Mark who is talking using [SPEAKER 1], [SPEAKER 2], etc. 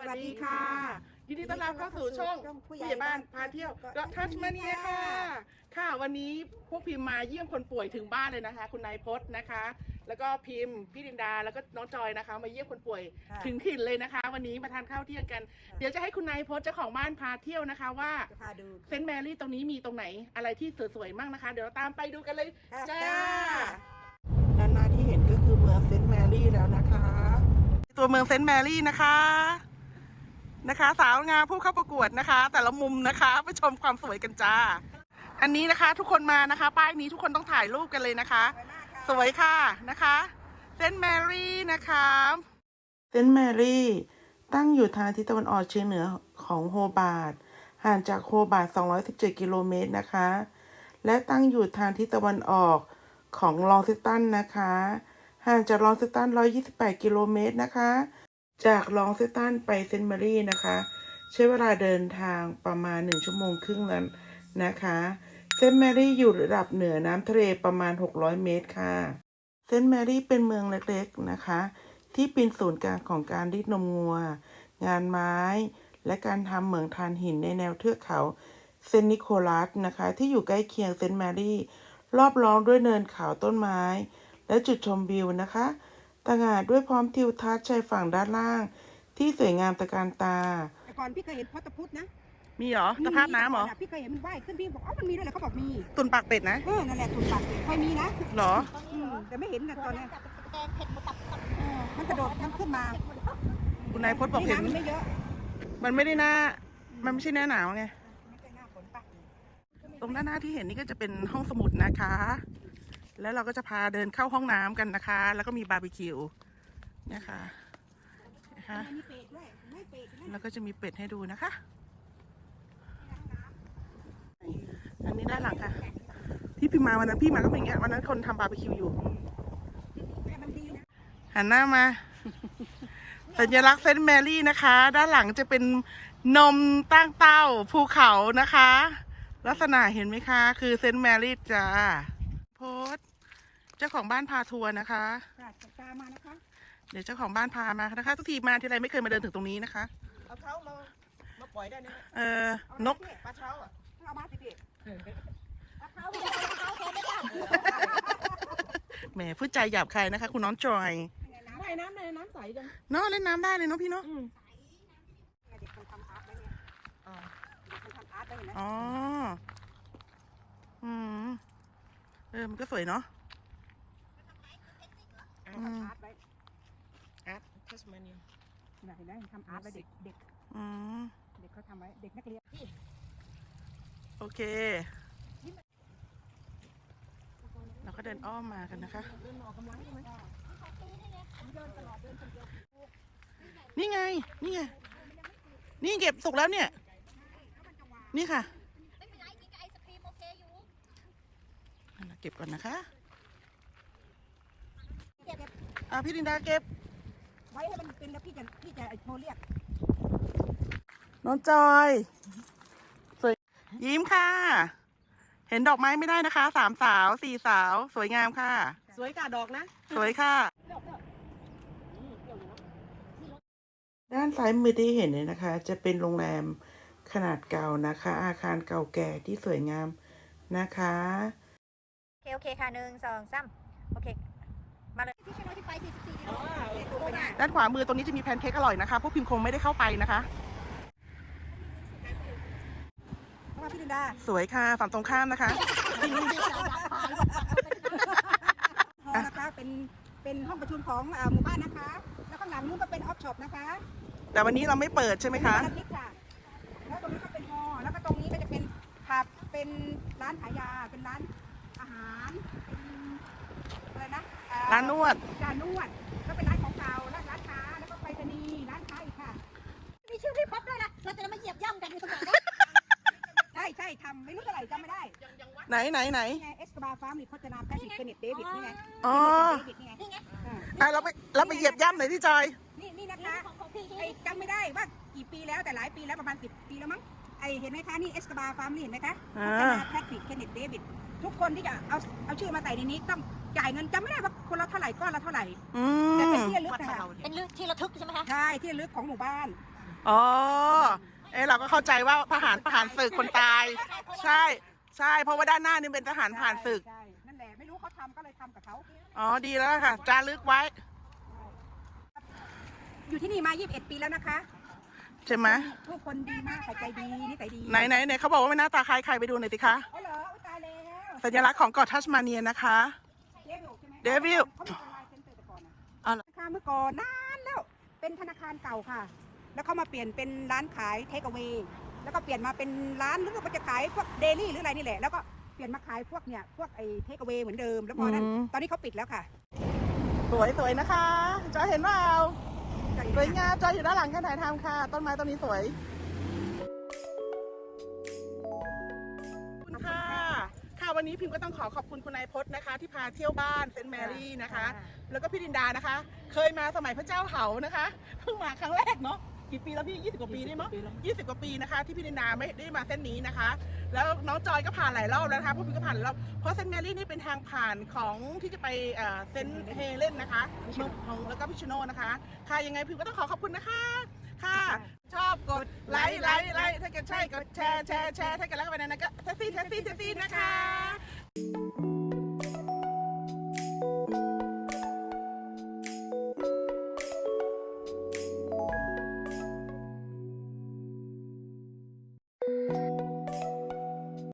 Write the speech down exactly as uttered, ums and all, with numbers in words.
[SPEAKER 1] วัสดีค่ะยินดีต้อนรับเข้าสู่ช่องผู้ใหญ่บ้านพาเที่ยวก็ทัชมาเนียค่ะค่ะวันนี้พวกพิมพ์มาเยี่ยมคนป่วยถึงบ้านเลยนะคะคุณนายพจน์นะคะ แล้วก็พิมพ์พี่ดินดาแล้วก็น้องจอยนะคะมาเยี่ยมคนป่วยถึงถิ่นเลยนะคะ วันนี้มาทานข้าวเที่ยงกัน เดี๋ยวจะให้คุณนายพจน์เจ้าของบ้านพาเที่ยวนะคะว่าเซนต์แมรี่ตรงนี้มีตรงไหนอะไรที่สวยๆมั่งนะคะ เดี๋ยวเราตามไปดูกันเลยจ้าด้านหน้าที่เห็นก็คือเมืองเซนต์แมรี่แล้วนะคะตัวเมืองเซนต์แมรี่นะคะนะคะสาวงามผู้เข้าประกวดนะคะ แต่ละมุมนะคะไปชมความสวยกันจ้าอันนี้นะคะทุกคนมานะคะป้ายนี้ทุกคนต้องถ่ายรูปกันเลยนะคะสวยค่ะนะคะเซนต์แมรี่นะคะเซนต์แมรี่ตั้งอยู่ทางทิศตะวันออกเฉียงเหนือของโฮบาร์ตห่างจากโฮบาร์ตสองร้อยสิบเจ็ดกิโลเมตรนะคะและตั้งอยู่ทางทิศตะวันออกของลองซิตันนะคะห่างจากลองซิตันหนึ่งร้อยยี่สิบแปดกิโลเมตรนะคะจากลองซิตันไปเซนต์แมรี่นะคะใช้เวลาเดินทางประมาณหนึ่งชั่วโมงครึ่งนั้นนะคะเซนต์แมรี่อยู่ระดับเหนือน้ำทะเลประมาณหกร้อยเมตรค่ะเซนต์แมรี่เป็นเมืองเล็กๆนะคะที่เป็นศูนย์กลางของการรีดนมงัวงานไม้และการทำเหมืองถ่านหินในแนวเทือกเขาเซนต์นิโคลัสนะคะที่อยู่ใกล้เคียงเซนต์แมรี่รอบล้อมด้วยเนินเขาต้นไม้และจุดชมวิวนะคะต่างหากด้วยพร้อมทิวทัศน์ชายฝั่งด้านล่างที่สวยงามตระการตา
[SPEAKER 2] แต่ก่อนพี่เคยเห็นพอตะพุธนะ
[SPEAKER 1] มีเหรอตะภาพน้ำเหรอ
[SPEAKER 2] พี่เคยเห็นมันว่ายขึ้นพี่บอกอ๋อมันมีด้วยเหรอเขาบอกมี
[SPEAKER 1] ตุนปากเป็ดนะ
[SPEAKER 2] เออนั่นแหละตุนปากเป็ดเคยมีนะ
[SPEAKER 1] เหรอ
[SPEAKER 2] แต่ไม่เห็นตอนนี้มันกระโดดทั้งขึ้นมา
[SPEAKER 1] คุณนายพจน์บอกเห็น
[SPEAKER 2] มันไม่เยอะ
[SPEAKER 1] มันไม่ได้หน้ามันไม่ใช่หน้าหนาวไงตรงด้านหน้าที่เห็นนี่ก็จะเป็นห้องสมุดนะคะแล้วเราก็จะพาเดินเข้าห้องน้ำกันนะคะแล้วก็มีบาร์บีคิวนะคะนะคะแล้วก็จะมีเป็ดให้ดูนะคะอันนี้ด้านหลังค่ะที่พี่มาวันนั้นพี่มาก็เป็นอย่างเงี้ยวันนั้นคนทำบาร์บีคิวอยู่หันหน้ามาสัญลักษณ์เซนต์แมรี่นะคะด้านหลังจะเป็นนมตั้งเต้าภูเขานะคะลักษณะเห็นไหมคะคือเซนต์แมรี่จ้าโพสเจ้าของบ้านพาทัวร์นะคะ
[SPEAKER 2] ตามมานะคะ
[SPEAKER 1] เดี๋ยวเจ้าของบ้านพามานะคะทุกทีมาทีไรไม่เคยมาเดินถึงตรงนี้นะคะ
[SPEAKER 2] เอาเท้ามามาปล่อยได้ไหม
[SPEAKER 1] เออนก
[SPEAKER 2] ปลาเท้าอ่ะเอามาสิพี่ปลาเท้า
[SPEAKER 1] แหมพูดใจหยาบคายนะคะคุณน้องจอย
[SPEAKER 2] ว่ายน้ำในน้ำใสจัง
[SPEAKER 1] เนาะเล่นน้ำได้เลยเนาะพี่เนาะ
[SPEAKER 2] เด็กคนทำอาร์ตไว้เนี่ยเด็กคนทำอาร์ตไว้เห็นไหม
[SPEAKER 1] อ๋ออืมเออมันก็สวยเนาะ
[SPEAKER 2] ทำอาร์ตไว้
[SPEAKER 1] อาร์ตทัสมาเนีย
[SPEAKER 2] เห็นไหมทำอาร์ตไว้เด็กเด็ก
[SPEAKER 1] อืม
[SPEAKER 2] เด็กเขาทำไว้เด็กนักเรียน
[SPEAKER 1] โอเคเราก็เดินอ้อมมากันนะคะนี่ไงนี่ไงนี่เก็บสุกแล้วเนี่ยนี่ค่ะเก็บก่อนนะคะอ่ะพี่ดินดาเก็บ
[SPEAKER 2] ไว้ให้มันเป็นแล้วพี่จะพี่จะโทรเรียก
[SPEAKER 1] น้องจอยสวยยิ้มค่ะเห็นดอกไม้ไม่ได้นะคะสามสาวสี่สาวสวยงามค่ะ
[SPEAKER 2] สวยค่ะดอกนะ
[SPEAKER 1] สวยค่ะด้านซ้ายมือที่เห็นเนี่ยนะคะจะเป็นโรงแรมขนาดเก่านะคะอาคารเก่าแก่ที่สวยงามนะคะ
[SPEAKER 3] โอเคโอเคค่ะหนึ่งสองสามโอเคมาเลยที่ไปไปสี่สิบสี่กิโล
[SPEAKER 1] ด้านขวามือตรงนี้จะมีแพนเค้กอร่อยนะคะพวกพิมพ์คงไม่ได้เข้าไปนะคะ
[SPEAKER 2] พี่ดินดา
[SPEAKER 1] สวยค่ะฝั่งตรงข้ามนะคะ
[SPEAKER 2] นะคะเป็นเป็นห้องประชุมของหมู่บ้านนะคะแล้วข้างหลังนู้นก็เป็นออฟช็อปนะคะ
[SPEAKER 1] แต่วันนี้เราไม่เปิดใช่ไหมคะ
[SPEAKER 2] แล้วตรงนี้ก็เป็นฮอแล้วก็ตรงนี้ก็จะเป็นผับเป็นร้านขายยาเป็นร้านอาหารเป็นอะไรนะ
[SPEAKER 1] ร้านนวด
[SPEAKER 2] ร้านนวดก็เป็นร้านของเก่าร้านร้านค้าแล้วก็ไปรษณีย์ร้านค้าอีกค่ะ
[SPEAKER 3] มีชื่อพี่ป๊อปด้วยนะเราจะมาเหยียบย่ำกันอยู่ตรงไหน
[SPEAKER 2] ใช่ใช่ทำไม่รู้เท่าไหร่จำไม่ได้
[SPEAKER 1] ไหนไหนไหน
[SPEAKER 2] เอสกบาฟาร์มหรือโฆษณาแพทริกเฟเนตเดวิดนี่ไง
[SPEAKER 1] อ๋อ
[SPEAKER 2] นี่ไง
[SPEAKER 1] อ่ะเราไปเราไปเหยียบย่ำหน่อยที่จอย
[SPEAKER 2] นี่นี่นะคะไอ้จำไม่ได้ว่ากี่ปีแล้วแต่หลายปีแล้วประมาณสิบปีแล้วมั้งไอเห็นไหมคะนี่เอสกบาฟาร์มนี่เห็นไหมคะโฆษณาแพทริกเฟเนตเดวิดทุกคนที่จะเอาเอาชื่อมาใส่ในนี้ต้องจ่ายเงินจำไม่ได้ว่าคนละเท่าไหร่ก้อนละเท่าไหร่แต่เป็นที่ระลึกนะคะ
[SPEAKER 3] เป็นที่ระทึกใช่ไหมคะ
[SPEAKER 2] ใช่ที่ระลึกของหมู่บ้าน
[SPEAKER 1] อ๋อ เอ้เราก็เข้าใจว่าทหารทหารศึกคนตาย ใช่ ใช่ เพราะว่าด้านหน้านี่เป็นทหารผ่านศึก
[SPEAKER 2] ใช่นั่นแหละไม่รู้เขาทำก็เลยทำกับเขา
[SPEAKER 1] อ๋อ ดีแล้วค่ะ จารึกไว้
[SPEAKER 2] อยู่ที่นี่มายี่สิบเอ็ดปีแล้วนะคะ
[SPEAKER 1] ใช่ไหม
[SPEAKER 2] ทุกคนดีมากค่ะใจดีนิสัยดี
[SPEAKER 1] ไหนไหนไหนเขาบอกว่าไม่หน้าตาคล้ายใครไปดูหน่อยสิคะ
[SPEAKER 2] อ๋อเหรออุ๊ยตายแล้ว
[SPEAKER 1] สัญลักษณ์ของเกาะทัสมาเนียนะคะ
[SPEAKER 2] เดวิลใช่ไหม
[SPEAKER 1] เดวิล
[SPEAKER 2] เขามีออนไลน์เซ็นเตอร์แต่ก่อนนะ
[SPEAKER 1] อ๋อเหรอ
[SPEAKER 2] ธนาคารเมื่อก่อนนานแล้ว เป็นธนาคารเก่าค่ะ แล้วเขามาเปลี่ยนเป็นร้านขายเทคเอา a y แล้วก็เปลี่ยนมาเป็นร้านหรือว่าจะขายพวกเดลี่หรืออะไรนี่แหละ แล้วก็เปลี่ยนมาขายพวกเนี่ยพวกไอ้เทคเอา a y เหมือนเดิม แล้วพอนั้น
[SPEAKER 1] อืม
[SPEAKER 2] ตอนนี้เขาปิดแล้วค่ะ
[SPEAKER 1] สวยสวยนะคะ จอยเห็นเปล่าสวยงามจอยอยู่ด้านหลังการถ่ายทำค่ะ ต้นไม้ต้นนี้สวยขอบคุณค่ะ ค่ะวันนี้พิมก็ต้องขอขอบคุณคุณนายพจน์นะคะ ที่พาเที่ยวบ้านเซนต์แมรี่นะคะ แล้วก็พี่ดินดานะคะ เคยมาสมัยพระเจ้าเหานะคะเพิ่งมาครั้งแรกเนาะกี่ปีแล้วพี่ยี่สิบกว่าปีได้มั้งยี่สิบกว่าปีนะคะที่พี่ดินดาไม่ได้มาเส้นนี้นะคะ แล้วน้องจอยก็ผ่านหลายรอบแล้วนะคะพวกพี่ก็ผ่านหลายรอบเพราะเซนต์แมรี่นี่เป็นทางผ่านของที่จะไปเอ่อเซนต์เฮเลนนะคะของแล้วก็พิชโนนะคะค่ะยังไงพิมก็ต้องขอขอบคุณนะคะค่ะ ชอบกดไลค์ไลค์ไลค์ถ้าเกิดใช่กดแชร์แชร์แชร์ถ้าเกิดแล้วก็ไปนั้นก็แท็กซี่แท็กซี่แท็กซี่นะคะ